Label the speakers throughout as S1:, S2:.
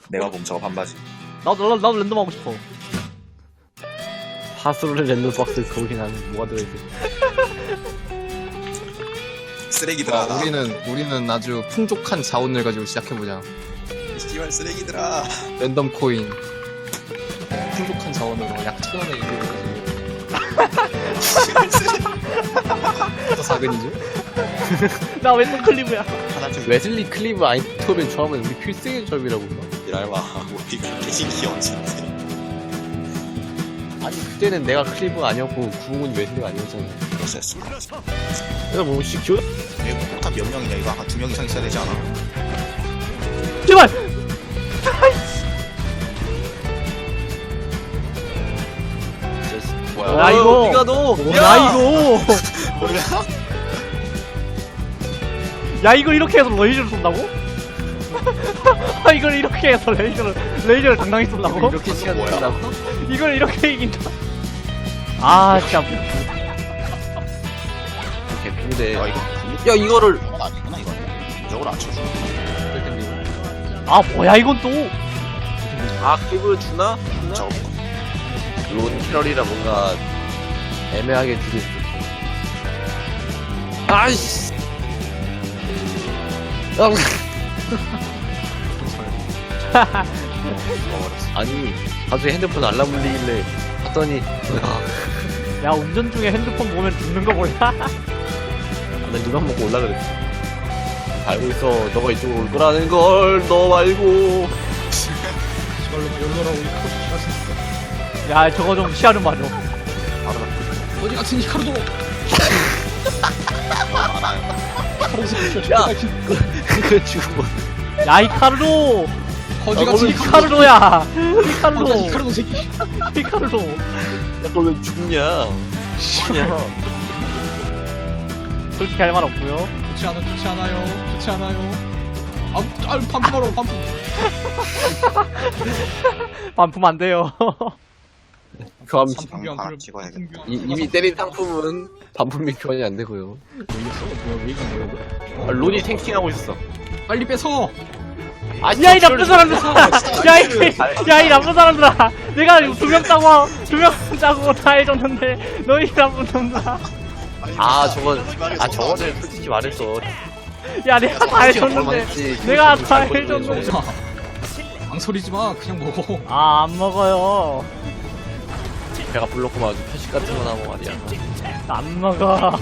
S1: 내가 봄 저거 반바지.
S2: 나도 랜덤 하고 싶어.
S3: 하수를 랜덤 박스 거긴 하는 뭐가 들어있어?
S1: 쓰레기들아. 나.
S4: 우리는 아주 풍족한 자원을 가지고 시작해보자.
S1: 씨발 쓰레기들아.
S4: 랜덤 코인. 풍족한 자원으로 약 1,000원의 이득을 가지고.
S1: 씨발 쓰레기.
S4: 또 사근이죠?
S2: 나 왜 또 클리브야?
S1: 하나 좀
S3: 웨슬리 클리브 아인토벤 조합은 우리 필승의 조합이라고.
S1: 이랄마. 우리 그렇게 신기 언제인데.
S3: 아니 그때는 내가 클리브가 아니었고 구웅은 웨슬리가 아니었잖아.
S1: 그랬어.
S3: 내가 뭐 혹시 기억?
S1: 이거 폭탄 몇 명이냐 이거 한 2명 이상 있어야 되지 않아?
S2: 제발!
S3: 뭐야?
S2: 야, 이거.
S3: 니가 너.
S2: 야 이거!
S1: 뭐야?
S2: 야 이거 이렇게 해서 레이저를 쏜다고? 이걸 이렇게 해서 레이저를 당당히 쏜다고?
S3: 이렇게 시간
S1: 뭐야?
S3: 된다고?
S2: 이걸 이렇게 이긴다. 아 진짜.
S3: 개피인데.
S1: 야 이거
S3: 야 이거를.
S1: 이건 아니구나 이거. 이쪽으로 안 쳐줘.
S2: 아 뭐야 이건 또?
S3: 아 클리브 주나?
S1: 저거
S3: 론 캐럴이라 뭔가 애매하게 두개 있어. 아이씨. 아니 갑자기 핸드폰 알람 울리길래 봤더니
S2: 야 운전 중에 핸드폰 보면 죽는 거 몰라?
S3: 나 눈만 먹고 올라 그랬어. 알고 있어. 너가 이쪽으로 올 거라는 걸 너 말고.
S2: 야 저거 좀 시야를 맞아.
S4: 어디 같은 히카루도!
S1: 너무 많아요.
S3: 야 그거 죽어.
S2: 야 이카르로!
S4: 어디 같은
S2: 이카르로야! 이카르로!
S4: 히카루도 새끼!
S2: 이카르로!
S3: 야 그걸 왜 죽냐? 죽냐?
S2: 솔직히 할 말 없고요.
S4: 좋지 않아요. 반품하러 반품!
S2: 반품 안 돼요.
S3: 교환
S1: 바로 찍어야겠다.
S3: 이미 때린 상품은 반품 및 교환이 안 되고요. 아, 론이 탱킹하고 있었어.
S4: 빨리 뺏어!
S2: 야 이 나쁜 사람들아! 야 이 나쁜 사람들아! 내가 2명 따고 다 해줬는데 너희 나쁜 놈들아!
S3: 아 저건 저거는 솔직히 말했어.
S2: 야 내가 다 해줬는데 내가 다 해줬는데
S4: 망설이지 마, 그냥 먹어.
S2: 아 안 먹어요.
S3: 배가 불렀구만. 아주 표식 같은 거 나고 말이야.
S2: 안 먹어.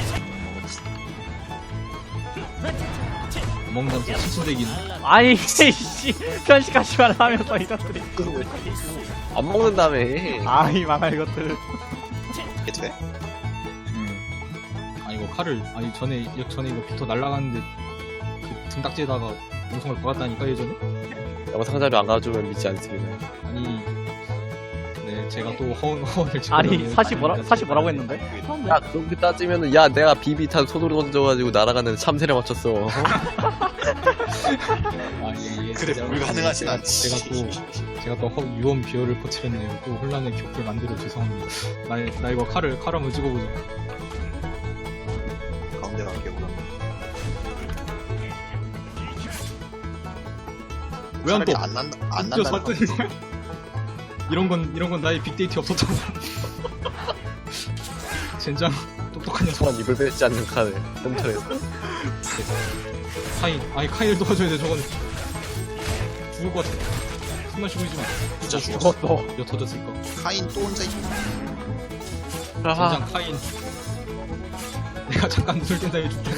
S4: 먹는다면서 수수대기는.
S2: 아니 이씨 편식하지 말라면서 이것들이.
S3: 안 먹는다며.
S2: 아이 망할 이것들.
S1: 이게 돼?
S4: 이거 칼을, 전에 이거 빅터 날라갔는데, 그 등딱지에다가 운송을 박았다니까, 예전에?
S3: 영상자료 안 가져오면 믿지 않습니다.
S4: 네, 제가 또 허언을 지금.
S2: 아니 사실 뭐라고 했는데?
S3: 야 그렇게 따지면은 야 내가 비비탄 손으로 던져가지고 날아가는 참새를 맞췄어.
S1: 그래 불가능하진 않지.
S4: 제가 또 유언 비어를 퍼뜨렸네요. 또 혼란의 격을 만들어 죄송합니다. 나 이거 칼을 한번 찍어보자.
S1: 가운데 갈게 보다.
S4: 왜 안 떠?
S1: 안 난다. 안
S4: 진짜
S1: 난다.
S4: 살 뜨는 거야? 이런 건 나의 빅데이터 없었잖아. 젠장 똑똑한 녀석.
S3: 소환 입을 뺏지 않는 칼을 흠터에서.
S4: 카인을 도와줘야 돼. 저건 죽을 것 같아. 숨만 쉬고 있지 마.
S1: 진짜 죽었어.
S4: 이거 터졌을까?
S1: 카인 또 혼자 있네.
S4: 젠장 카인. 내가 잠깐 눈을 뗀 다음에 죽겠네.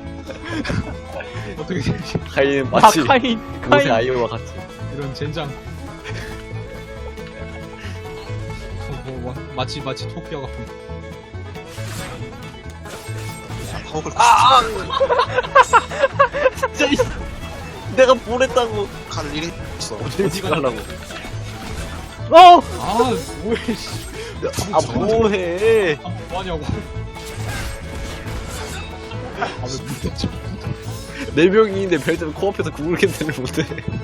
S4: 어떻게 되지?
S3: 카인
S2: 아
S3: 마치
S2: 카인
S3: 모세 아이오와 같이.
S4: 이런 젠장. 마치 토끼와 같은.
S1: 허글
S3: 진짜 내가 보냈다고.
S1: 칼을 잃은 있어.
S3: 어디 가려고?
S2: 어!
S4: 뭐해 씨.
S3: 아 뭐해?
S4: 뭐하냐고. 왜 못했지?
S3: 4명인데 별점 코앞에서 구글 캔슬을 못해.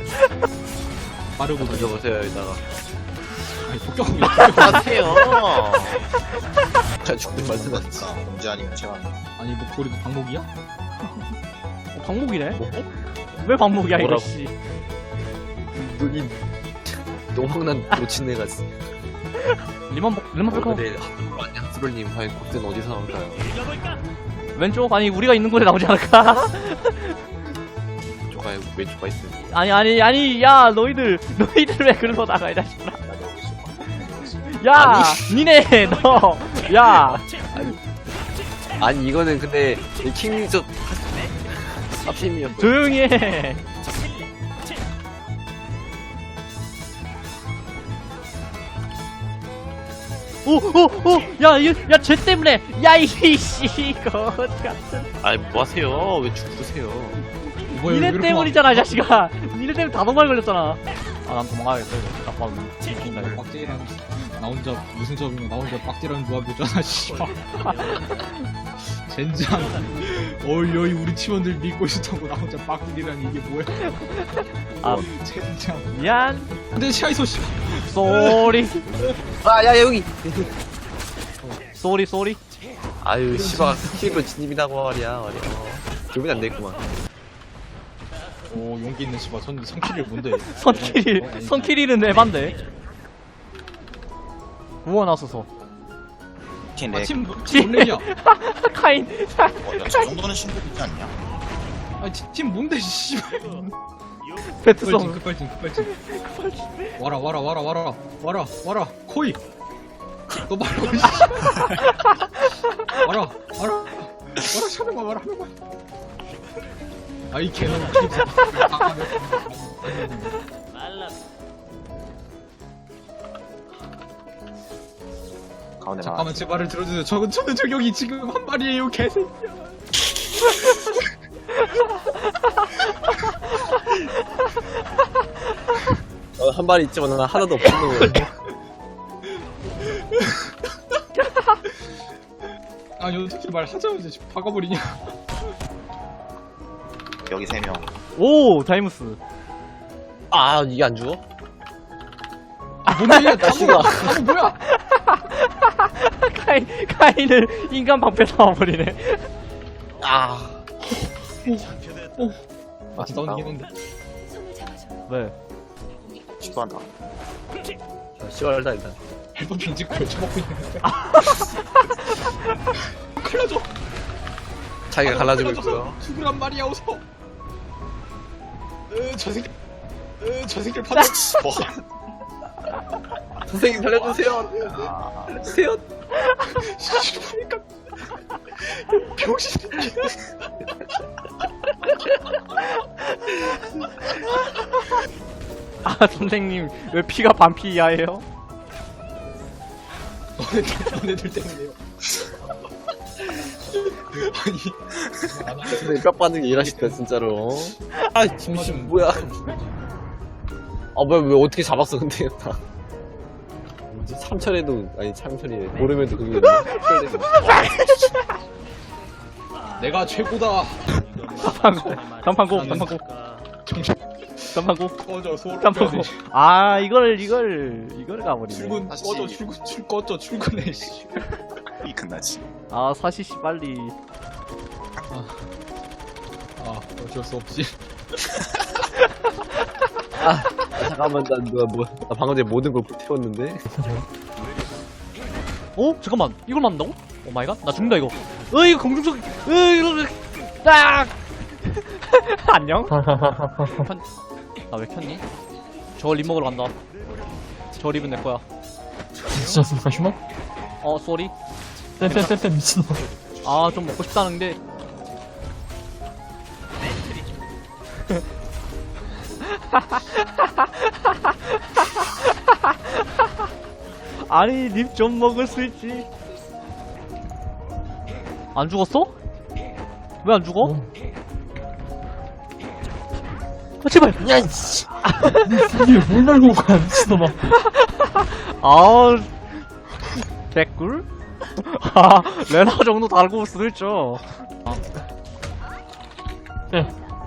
S4: 빠르고
S3: 던져보세요 이따가.
S4: 폭격하고
S3: 하세요. 죽는 말도 났지.
S1: 언제 아니면 제가
S4: 목소리도 방목이야?
S2: 방목이네? 왜 방목이야 이거
S3: 뭐라고?
S2: 씨.
S3: 이 노망난 놓친 애가 있어.
S2: 리만 뺄까?
S3: 근데 안녕 스롤님 과연 곡든 어디서 나올까요?
S2: 왼쪽? 아니 우리가 있는 곳에 나오지 않을까?
S3: 왼쪽가에 왼쪽가 있어.
S2: 아니 야 너희들 왜 그러고 나가 이 자식들아. 야 니네 너 야
S3: 아니 이거는 근데 킹리저 쌉심이었어.
S2: 조용히 해. 야쟤 때문에 야이씨 거 같은.
S3: 아니 뭐 하세요? 왜 죽으세요?
S4: 뭐야,
S2: 니네
S4: 왜 이렇게
S2: 때문이잖아 이 자식아. 니네 때문에 다 도망 걸렸잖아. 아 난 도망가야겠다 이거. 딱 봐도 죽인다
S4: 막-
S2: 이거.
S4: 빡대랑 나 혼자 무슨 조합이면 나 혼자 빡대라는 조합이잖아 씨발. 젠장. 어이 우리 팀원들 믿고 있었다고 나 혼자 빡대리랑 이게 뭐야?
S2: 아
S4: 젠장.
S2: 미안.
S4: 근데 시아이소 씨.
S2: 쏘리
S3: 아야 여기.
S2: 쏘리.
S3: 아유 씨발 킬로 진입이라고 말이야. 기분이 안 되겠구만.
S4: 오 용기 있는 씨발 성킬이 뭔데?
S2: 선키리는 에반데. 구워 나서서
S1: 팀 렉.
S4: 팀 뭔데냐?
S2: 카인.
S1: 저 정도는 신고되지 않냐?
S4: 팀 뭔데 씨발.
S2: 배트송.
S4: 급발진. 와라 코이. 너 말고 씨. 와라 샤명아 와라. 아이 개놈.
S1: 가운데 나.
S4: 잠깐만 제 말을 들어주세요. 저는 저격이 지금 한 마리에요 개새끼야.
S3: 한 발이 있지만 난 하나도 없는 거야.
S4: 아니 어떻게 말하자마자 지금 박아버리냐.
S1: 여기 3명.
S2: 오 다이무스.
S3: 아 이게 안 죽어?
S4: 뭔데?
S3: 다시가.
S4: 다무 뭐야?
S2: 카인을 인간 방패 삼아버리네.
S3: 아.
S4: 아 진짜 나오긴 했는데.
S2: 네.
S1: 시도한다.
S3: 시원하다 일단.
S4: 앨범 빈집 걸쳐먹고 있는데. 칼라줘.
S3: 자기가 갈라지고 있고요.
S4: 죽으란 말이야 어서. 저 새끼를 파다.
S3: 선생님 살려주세요. 살려주세요.
S4: 그러니까 병신.
S2: 아 선생님 왜 피가 반피 이하예요?
S4: 너네들 때문에요. 아니
S3: 선생님 뼈 빠는 게 일하시다 진짜로. 아 지금 뭐야? 아 뭐야 왜 어떻게 잡았어 근데 다. 뭐지? 삼철에도 아니 참철이래. 모르면도 그게
S4: 내가 최고다.
S2: 단판고
S4: 꺼져 소름
S2: 단판고.
S4: 빼야 돼.
S2: 아 이걸 가버리네.
S4: 출근
S1: 다시.
S4: 꺼져 꺼져 출근해 씨.
S1: 이 끝나지.
S2: 아 사시씨 빨리.
S4: 아 어쩔 수 없지.
S3: 잠깐만 나 방금 전에 모든 걸 태웠는데.
S2: 어? 잠깐만 이걸 맞는다고? 오 마이 갓? 나 죽는다 이거. 이거 공중석. 이거 딱. 안녕. 나 왜 켰니? 저거 립 먹으러 간다. 저 립은 내 거야.
S5: 미쳤습니까 휴먼?
S2: 쏘리.
S5: 떼떼떼떼 미친놈.
S2: 아 좀 먹고 싶다는데. 아니 립 좀 먹을 수 있지. 안 죽었어? 왜 안 죽어? 아 제발.
S5: 야 이씨. 이게 뭘 날고 가 미친놈아.
S2: 아 개꿀? 아 레나 정도 달고 올 수도 있죠.
S5: 네.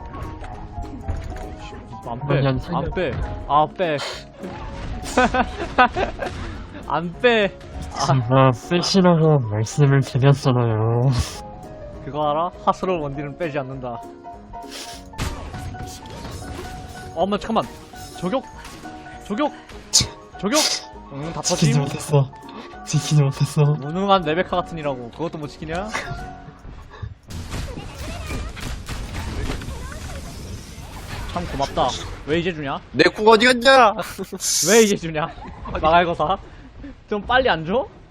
S2: 안 빼. 안 빼.
S5: 제가 빼시라고 말씀을 드렸잖아요.
S2: 그거 알아? 하스러운 원딜은 빼지 않는다. 엄마 잠깐만. 저격 저격 저격 다
S5: 지키지
S2: 터짐
S5: 못했어. 지키지 못했어.
S2: 무능한 레베카 같은 이라고 그것도 못 지키냐? 참 고맙다. 왜 이제 주냐?
S3: 내 궁 어디 갔냐?
S2: 왜 이제 주냐? 마갈거사 좀 빨리 안 줘?